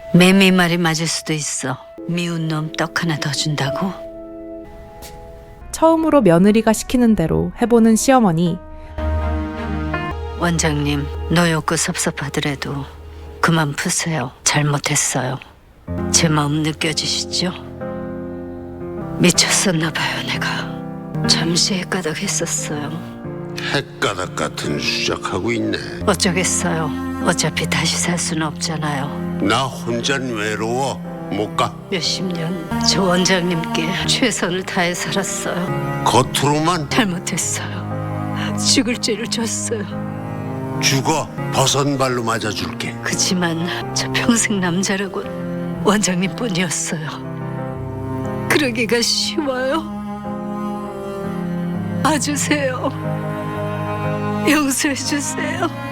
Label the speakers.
Speaker 1: 매미 말이 맞을 수도 있어. 미운 놈 떡 하나 더 준다고?
Speaker 2: 처음으로 며느리가 시키는 대로 해보는 시어머니.
Speaker 1: 원장님, 노욕고 섭섭하더라도 그만 푸세요. 잘못했어요. 제 마음 느껴지시죠? 미쳤었나 봐요, 내가. 잠시 헷가닥했었어요.
Speaker 3: 헷가닥 같은 수작하고 있네.
Speaker 1: 어쩌겠어요. 어차피 다시 살 수는 없잖아요.
Speaker 3: 나 혼잔 외로워. 못 가.
Speaker 1: 몇십 년 저 원장님께 최선을 다해 살았어요.
Speaker 3: 겉으로만
Speaker 1: 잘못했어요. 죽을 죄를 졌어요.
Speaker 3: 죽어. 버선발로 맞아줄게.
Speaker 1: 그치만 저 평생 남자라고 원장님뿐이었어요. 그러기가 쉬워요. 봐주세요. 용서해주세요.